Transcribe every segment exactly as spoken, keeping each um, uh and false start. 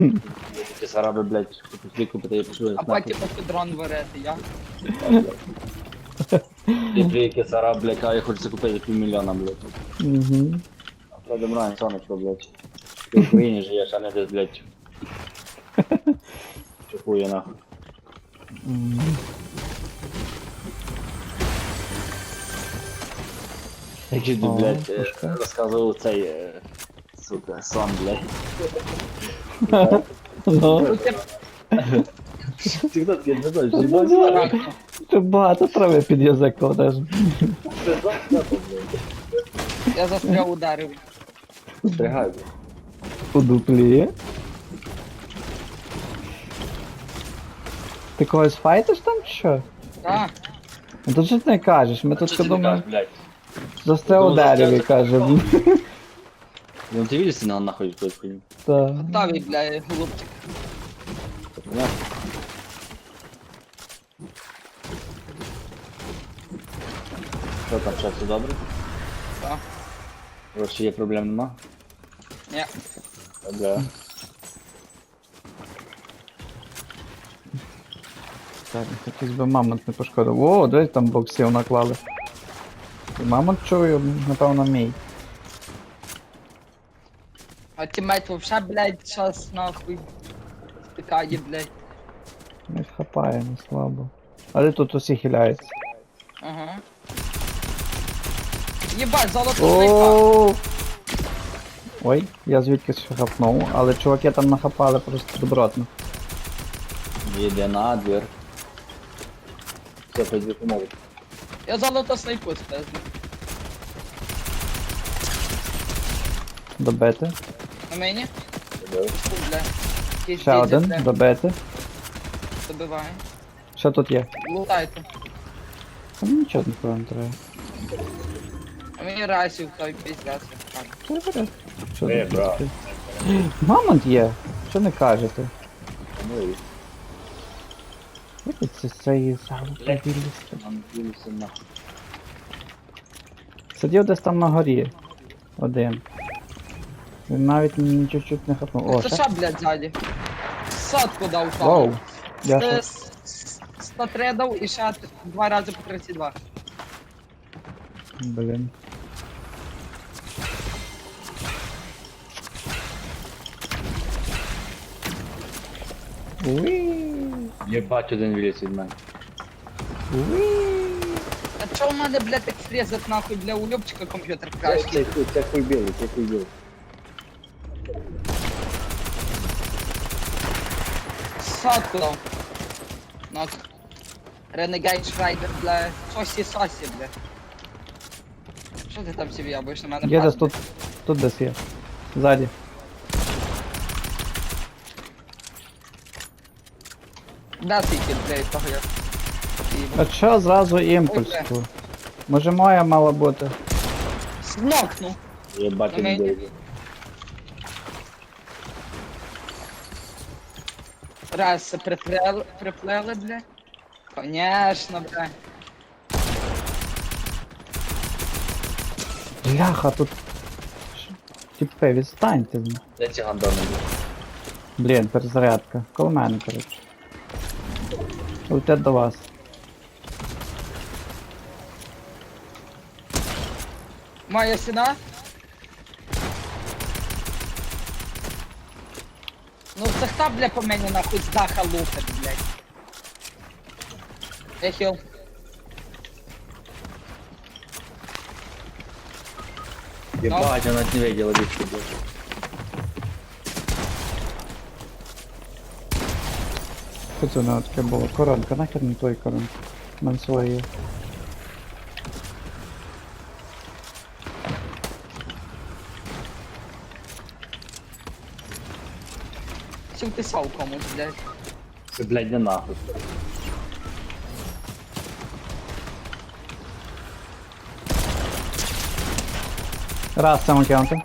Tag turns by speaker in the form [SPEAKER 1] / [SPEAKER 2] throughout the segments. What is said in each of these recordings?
[SPEAKER 1] Ті сараби, блядь, пішли купити, я пішли.
[SPEAKER 2] А потім поки дрон варити, я.
[SPEAKER 1] Ти плійки сараб, блядь, а я хочу купити півмільйона, блядь.
[SPEAKER 3] Угу.
[SPEAKER 1] А то Демрайн, сонечко, блядь. Ти в Україні живеш, а не десь, блядь. Чухує нахуй. Який ти,
[SPEAKER 3] О,
[SPEAKER 1] блядь, е,
[SPEAKER 3] пушка.
[SPEAKER 1] розказував цей, е, сука, сон, блядь.
[SPEAKER 3] Ну,
[SPEAKER 1] Ти хто такий, не знаєш, їбать?
[SPEAKER 3] ти багато трави під язик кладеш.
[SPEAKER 1] Ти знаєш, блядь.
[SPEAKER 2] Я застряв ударив.
[SPEAKER 1] Стригай, блядь.
[SPEAKER 3] У дуплі. Ти когось файтиш там чи що?
[SPEAKER 2] Так.
[SPEAKER 3] Ну то що ти не кажеш? Ми тут
[SPEAKER 1] Що ти не
[SPEAKER 3] думаємо,
[SPEAKER 1] кажеш, блядь?
[SPEAKER 3] застряв у
[SPEAKER 1] Ну,
[SPEAKER 3] дереві,
[SPEAKER 1] застряв-
[SPEAKER 3] каже.
[SPEAKER 1] Ну ти видиш, на нахуй хтось хуйню?
[SPEAKER 3] Та.
[SPEAKER 2] Готовий, бля, голубчик.
[SPEAKER 1] Понятно? Що там, що, все добре?
[SPEAKER 2] Так.
[SPEAKER 1] Гроші є, проблем нема?
[SPEAKER 2] Ні.
[SPEAKER 1] Добре.
[SPEAKER 3] Так, якийсь би мамонт не пошкодив. О, дивись, там боксів наклали. І мамонт чую, напевно, мій.
[SPEAKER 2] А тімейт вообще, блядь, щас нахуй. Стикає, блядь.
[SPEAKER 3] Не хапає, не слабо. Але тут усі хиляються.
[SPEAKER 2] Ага. Єбать, золото снайпа.
[SPEAKER 3] О! Ой, я звідки ще хапнув, але чуваки там нахапали просто добротно.
[SPEAKER 1] Їде на двір. Все, пойди помогу.
[SPEAKER 2] Я золото снайпу спезну.
[SPEAKER 3] Добити.
[SPEAKER 2] На мені?
[SPEAKER 1] Добре.
[SPEAKER 2] Фу, бля. Якийсь
[SPEAKER 3] Ще
[SPEAKER 2] дідзя,
[SPEAKER 3] один,
[SPEAKER 2] бля,
[SPEAKER 3] добити.
[SPEAKER 2] добиває.
[SPEAKER 3] Що тут є?
[SPEAKER 2] Лутайте.
[SPEAKER 3] Та мені нічого нікого не треба.
[SPEAKER 2] А мені расів той піздець.
[SPEAKER 3] Що я беру? Що
[SPEAKER 1] Е,
[SPEAKER 3] тут
[SPEAKER 1] брат.
[SPEAKER 3] таке? Мамонт є, що не кажете?
[SPEAKER 1] Ну і
[SPEAKER 3] Як це з цієї саме вилізти?
[SPEAKER 1] нам ділися нахуй.
[SPEAKER 3] Сидів десь там на горі. Один. Він навіть ні чуть-чуть не хапнув. О,
[SPEAKER 2] Це
[SPEAKER 3] ще?
[SPEAKER 2] що, блядь, ззаді? Сотку дав там.
[SPEAKER 3] Воу. Я
[SPEAKER 2] Це
[SPEAKER 3] що?
[SPEAKER 2] с- с- сто три дав і ще два рази по тридцять два.
[SPEAKER 3] Блін. Уи.
[SPEAKER 1] Єбать, один виліз від мене.
[SPEAKER 3] Уи.
[SPEAKER 2] А чо в мене, блядь, так фрезать нахуй, бля, у Любчика комп'ютер
[SPEAKER 1] Це
[SPEAKER 2] кращий?
[SPEAKER 1] хуй, це хуй білий, це хуй білий.
[SPEAKER 2] Сотку дав. Ну, Renegade Шрайдер, бля, сосі сосі, бля. Що ти там собі ябиш на мене?
[SPEAKER 3] Є десь
[SPEAKER 2] пас,
[SPEAKER 3] тут. Тут десь є. Ззаді.
[SPEAKER 2] Да, ти кіт, бля, того я.
[SPEAKER 3] А що зразу імпульс?
[SPEAKER 2] Ой, бля.
[SPEAKER 3] тут? Може моя мала бути?
[SPEAKER 2] Снокну.
[SPEAKER 1] Єбать,
[SPEAKER 2] На
[SPEAKER 1] один
[SPEAKER 2] мені.
[SPEAKER 1] білий.
[SPEAKER 2] Раз, це приплели, приплели, бля. Конечно, бля.
[SPEAKER 3] Бляха, тут. Ш- Тіпи, відстаньте. з-
[SPEAKER 1] Де ці гандони?
[SPEAKER 3] Блін, перезарядка. Коло мене, коротше. Летять до вас.
[SPEAKER 2] Моя стіна. Ну це хто, бля, по мені нахуй з даха лупить, блядь. Я хіл.
[SPEAKER 1] Єбать, я навіть не виділа більше, блядь.
[SPEAKER 3] Що це у нього таке було? Коронка, нахер не той коронка. У мене своє є.
[SPEAKER 2] Чи вписав комусь, блядь.
[SPEAKER 1] Це, блядь, не нахуй.
[SPEAKER 3] Раз самокеанти.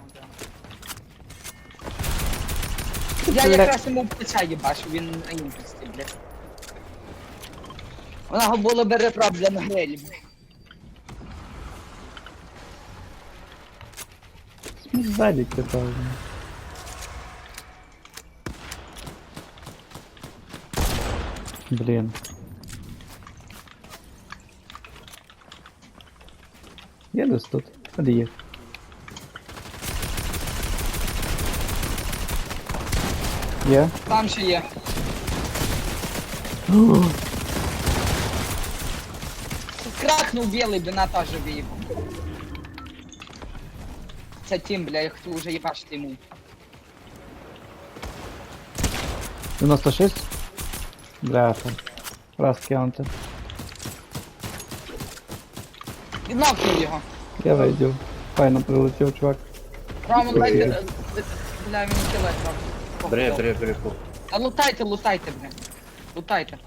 [SPEAKER 2] Я
[SPEAKER 3] Бля.
[SPEAKER 2] якраз йому в плеча їбашу, він на імпульсі, блядь. Вона було би ребра, бля, на грилі, блядь.
[SPEAKER 3] Ззаді кидав. Блін. Є десь тут? А де є? Є?
[SPEAKER 2] Там ще є. Кракнув білий, би на теж виїхав. Це тім, бля, я хотів уже їбачити йому.
[SPEAKER 3] дев'яносто шість? Бляха. Раз кинути.
[SPEAKER 2] Віднокнув його.
[SPEAKER 3] Я вийду. Файно прилетів, чувак.
[SPEAKER 2] Роман,
[SPEAKER 3] Ой.
[SPEAKER 2] дайте, е, е, бля, мені кілець, Роман.
[SPEAKER 1] Бре, бре, бре, по.
[SPEAKER 2] А лутайте, лутайте, бля. Лутайте.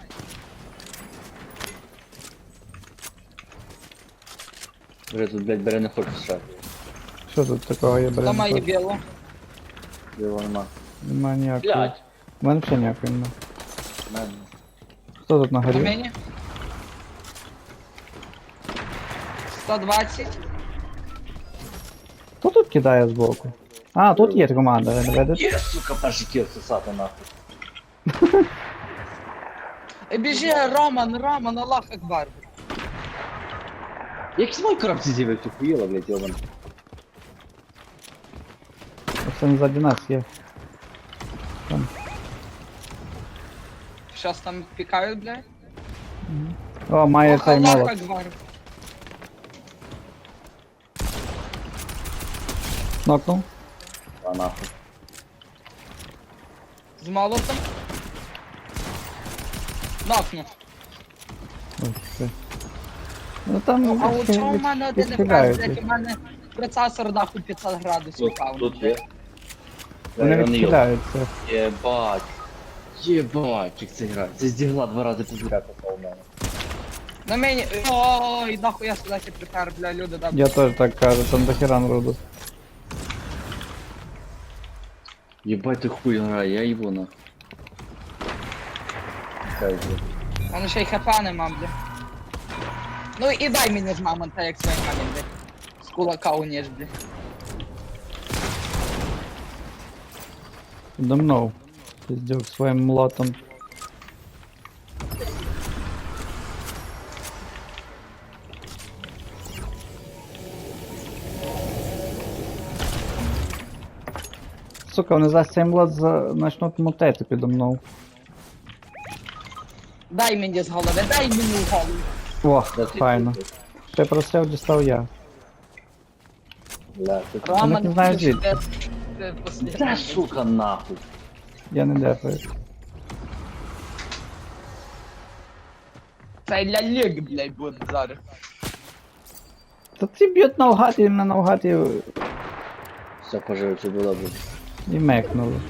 [SPEAKER 1] Бре, тут, блядь, бере не хоче срати.
[SPEAKER 3] Що тут такого є,
[SPEAKER 2] Хто
[SPEAKER 3] блін?
[SPEAKER 2] має білу?
[SPEAKER 1] Його нема.
[SPEAKER 3] Нема ніякого.
[SPEAKER 1] Блядь.
[SPEAKER 3] У мене взагалі ніякого нема.
[SPEAKER 1] Мене.
[SPEAKER 3] Хто тут на
[SPEAKER 2] На
[SPEAKER 3] горі?
[SPEAKER 2] мені? сто двадцять.
[SPEAKER 3] Хто тут кидає збоку? А, тут є команда, ви не видите?
[SPEAKER 1] Є, сука, перший кіл сосати нахуй.
[SPEAKER 2] Е, Біжи, Роман, Роман, Аллах Акбар.
[SPEAKER 1] Як з моєї коробці з'явив, ти хуїла, блядь, йобан.
[SPEAKER 3] Оце не ззаді нас є. Там.
[SPEAKER 2] Щас там пікають, блядь.
[SPEAKER 3] О, має
[SPEAKER 2] Ох,
[SPEAKER 3] цей
[SPEAKER 2] Аллах
[SPEAKER 3] молот.
[SPEAKER 2] Акбар.
[SPEAKER 3] Нокнув.
[SPEAKER 1] А нахуй.
[SPEAKER 2] З молотом. Нокнув.
[SPEAKER 3] Ой, все. Ну там
[SPEAKER 2] Ну, а у
[SPEAKER 3] відхи-
[SPEAKER 2] чому в мене один
[SPEAKER 3] відхиляють
[SPEAKER 2] ефект,
[SPEAKER 3] їх.
[SPEAKER 2] у мене процесор нахуй п'ятсот градусів
[SPEAKER 1] Тут,
[SPEAKER 2] пав.
[SPEAKER 1] тут є.
[SPEAKER 3] Вони
[SPEAKER 1] Вони
[SPEAKER 3] відхиляються.
[SPEAKER 1] Єбать. Єбать, як це грає. Це здігла два рази підряд попав в мене.
[SPEAKER 2] На мені. Ой, нахуй я сюди ще припер, бля, люди, да.
[SPEAKER 3] Я теж так кажу, там дохера народу.
[SPEAKER 1] Єбать, ти хуй грає, я його нахуй. Хай, блядь.
[SPEAKER 2] Воно ще й хп нема, бля. Ну і дай мені з мамонта, як своїй мамі, бля. З кулака уніж, бля.
[SPEAKER 3] Домнув. Піздюк своїм молотом. Сука, вони за цей молот за... начнуть мотити підо мною.
[SPEAKER 2] Дай мені з голови, дай мені в голову.
[SPEAKER 3] О,
[SPEAKER 1] Да ти
[SPEAKER 3] файно.
[SPEAKER 1] хуй,
[SPEAKER 3] Ще простріл дістав я.
[SPEAKER 1] Бля, ти хуй.
[SPEAKER 2] Роман,
[SPEAKER 3] не знаю
[SPEAKER 2] ти
[SPEAKER 3] звідки.
[SPEAKER 2] де- де послідний?
[SPEAKER 1] Та сука нахуй.
[SPEAKER 3] Я не дефаю.
[SPEAKER 2] Це для ліг, блядь, буде зараз.
[SPEAKER 3] Та ці б'ють навгад і мене навгад і,
[SPEAKER 1] Все, пожив, все було добре.
[SPEAKER 3] і мекнули.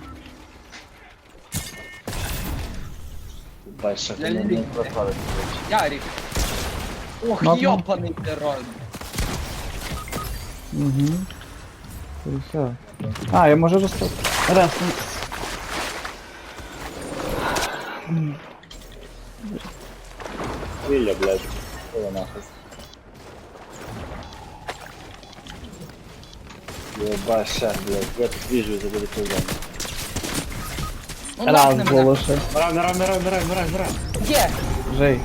[SPEAKER 1] Бать, що
[SPEAKER 2] Я
[SPEAKER 1] ти не
[SPEAKER 2] люблю.
[SPEAKER 1] не прославити.
[SPEAKER 2] Ярик. Ох,
[SPEAKER 3] Ну, ну.
[SPEAKER 2] йобаний терор.
[SPEAKER 3] Угу. І все. А, я можу розстати. Раз.
[SPEAKER 1] Вилля, блядь. Що нахуй. Єбать, ще, блядь. Я тут вижу, за буде цей день.
[SPEAKER 2] Ну,
[SPEAKER 3] Раз
[SPEAKER 2] нахне мене.
[SPEAKER 3] було ще.
[SPEAKER 1] Мирай, мирай, мирай, мирай, мирай, мирай.
[SPEAKER 2] Є.
[SPEAKER 3] Жей.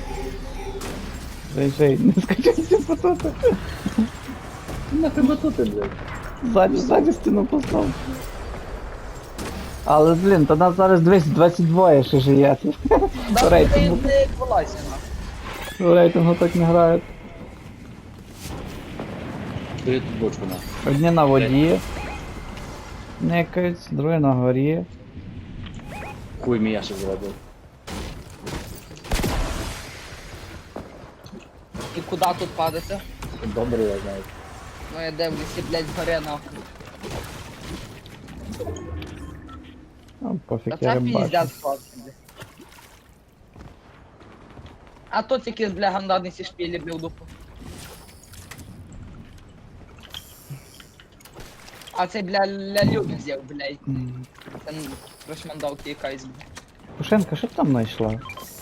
[SPEAKER 3] Жей, жей, не скачайся пототи.
[SPEAKER 1] Нахуй батути, блядь.
[SPEAKER 3] Ззаді, ззаді стіну постав. Але, блін, то нас зараз двісті двадцять два ще живе.
[SPEAKER 2] Да,
[SPEAKER 3] По рейтингу,
[SPEAKER 2] ти не вилазь, нахуй.
[SPEAKER 3] по рейтингу так не грають.
[SPEAKER 1] Бери тут бочку, нахуй.
[SPEAKER 3] Одні на воді. Некають, другі на горі.
[SPEAKER 1] Хуй мій яшик зробив.
[SPEAKER 2] І куди тут падати?
[SPEAKER 1] Добре, я знаю.
[SPEAKER 2] Ну я дивлюся, блядь, згоря нахуй.
[SPEAKER 3] Ну, пофіг,
[SPEAKER 2] Та
[SPEAKER 3] я
[SPEAKER 2] це
[SPEAKER 3] рибачу.
[SPEAKER 2] піздець хлопці, блядь. А тут якісь, бля, гандони сі шпілі, бля, в дупу. А цей, бля, лялюк взяв, блядь.
[SPEAKER 3] М.
[SPEAKER 2] Це прошмандовки якась, бля.
[SPEAKER 3] Пушенка, що ти там знайшла?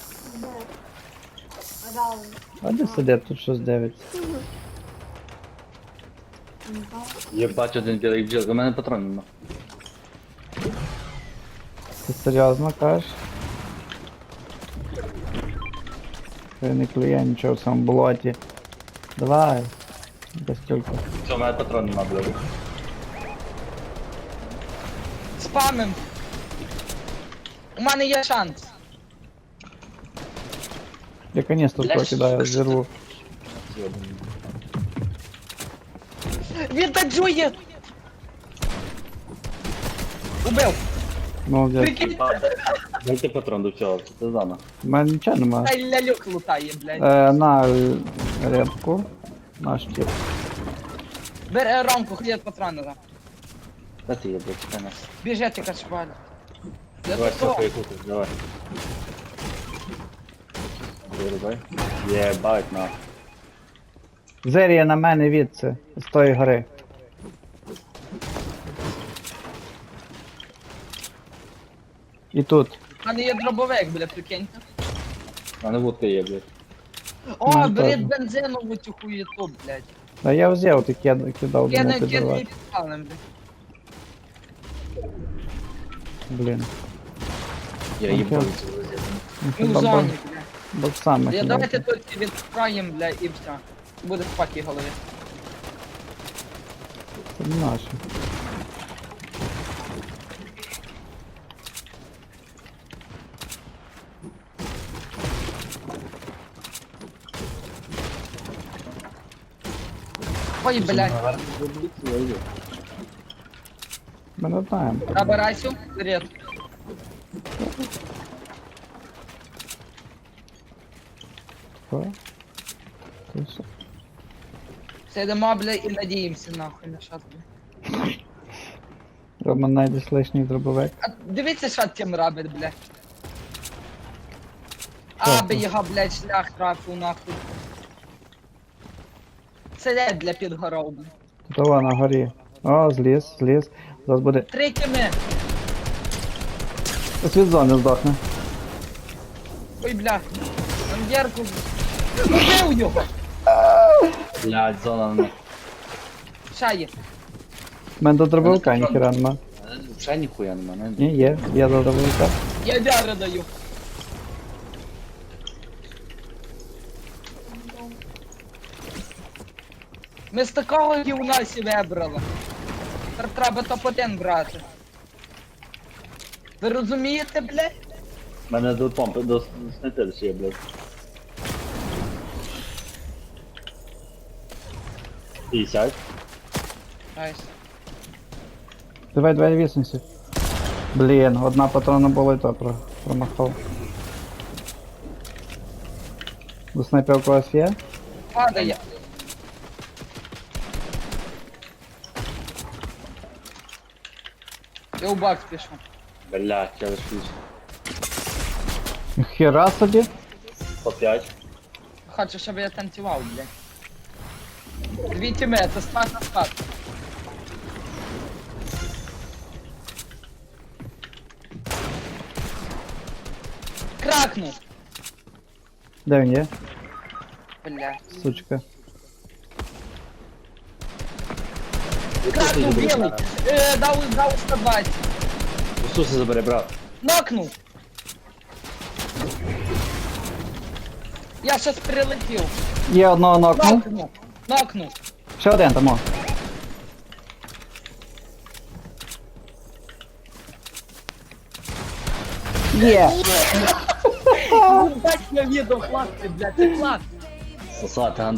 [SPEAKER 3] А де сидять тут щось дивиться?
[SPEAKER 1] Єбать, один білий бджілка, у мене патронів нема.
[SPEAKER 3] Ти серйозно кажеш? Хай не клює нічого в цьому болоті. Давай. Без тільки.
[SPEAKER 1] Все, у мене патрон нема, блядь.
[SPEAKER 2] Спамим. У мене є шанс.
[SPEAKER 3] Я каністр
[SPEAKER 2] Бля,
[SPEAKER 3] прокидаю,
[SPEAKER 2] що-
[SPEAKER 3] зірву.
[SPEAKER 2] Він таджує! Убив!
[SPEAKER 3] Молодець.
[SPEAKER 2] Прикинь,
[SPEAKER 1] Дайте патрон до цього, це зона.
[SPEAKER 3] У мене нічого нема.
[SPEAKER 2] та й лялюк лутає, блядь.
[SPEAKER 3] Е, на е, рибку. Наш тип.
[SPEAKER 2] Бери ромку, хліб патрони. да.
[SPEAKER 1] Де ти є, блядь, чекай нас.
[SPEAKER 2] Біжи, ти кашваль. Я
[SPEAKER 1] Давай,
[SPEAKER 2] тут
[SPEAKER 1] все,
[SPEAKER 2] то.
[SPEAKER 1] поїхати, давай. Вирубай. Єбать, на.
[SPEAKER 3] Зерія на мене відси. З тої гори. І тут.
[SPEAKER 2] У мене є дробовик, бля, прикиньте.
[SPEAKER 1] У мене вудка є, блядь.
[SPEAKER 2] О,
[SPEAKER 3] Ну,
[SPEAKER 2] беріть
[SPEAKER 3] теж.
[SPEAKER 2] бензинову цю хуєту, блядь.
[SPEAKER 3] А я взяв, ти кид- кидав до
[SPEAKER 2] Кидай,
[SPEAKER 3] мене
[SPEAKER 2] кидай
[SPEAKER 3] підривати.
[SPEAKER 2] підпалим, блядь.
[SPEAKER 3] Блін.
[SPEAKER 1] Я
[SPEAKER 3] Окей.
[SPEAKER 1] їбав цю розетку.
[SPEAKER 3] Ну,
[SPEAKER 2] І в
[SPEAKER 3] хіба
[SPEAKER 2] зоні,
[SPEAKER 3] бо-
[SPEAKER 2] бля.
[SPEAKER 3] боксами.
[SPEAKER 2] Я
[SPEAKER 3] хіба.
[SPEAKER 2] давайте тут відправимо, бля, і все. Буде в пакі голові.
[SPEAKER 3] Це не наше.
[SPEAKER 2] Ой, блядь.
[SPEAKER 1] Я йду.
[SPEAKER 3] Ми не знаємо.
[SPEAKER 2] Набирайся, вперед.
[SPEAKER 3] Що? Це все.
[SPEAKER 2] Сидимо, бля, і надіємося нахуй на щас, бля.
[SPEAKER 3] Рома знайдеш лишній дробовик.
[SPEAKER 2] А дивіться, що тим робить, бля. Аби його, блядь, шлях трафив нахуй. Сидять для підгоров, бля.
[SPEAKER 3] Того на горі. О, зліз, зліз. Зараз буде.
[SPEAKER 2] Три кими.
[SPEAKER 3] Ось від зони здохне.
[SPEAKER 2] Ой, бля. Там дірку. Убив його.
[SPEAKER 1] Блядь, зона на.
[SPEAKER 2] Шає.
[SPEAKER 3] У мене до дробовика ніхіра нема.
[SPEAKER 1] Вже ніхуя нема, не?
[SPEAKER 3] Ні, є, є до дробовика.
[SPEAKER 2] Я дяри даю. Ми з такого гівна сі вибрали. Тепер треба топ один брати. Ви розумієте, блядь?
[SPEAKER 1] У мене до помпи, до снайпер ще є, блядь. п'ятдесят.
[SPEAKER 2] Найс.
[SPEAKER 3] Давай, давай, вісімся. Блін, одна патрона була і то про- промахав. До снайпер у когось є?
[SPEAKER 2] Падає. Я у бакс пишу.
[SPEAKER 1] Блядь, я лишусь.
[SPEAKER 3] Хіра собі.
[SPEAKER 1] По п'ять.
[SPEAKER 2] Хочу, щоб я танцював, блядь. Дві тіми, це спад на спад. Кракнув!
[SPEAKER 3] Де він є?
[SPEAKER 2] Бля.
[SPEAKER 3] Сучка.
[SPEAKER 2] Кракнув білий! Е, дав, дав сто двадцять.
[SPEAKER 1] Ісуса забери, брат.
[SPEAKER 2] Нокнув! Я щас прилетів.
[SPEAKER 3] Є одного нокнув.
[SPEAKER 2] Нокнув! Нокнув!
[SPEAKER 3] Ще один там. О. Є!
[SPEAKER 2] Бать, я відео, хлопці, блядь, це клас!
[SPEAKER 1] Сосати,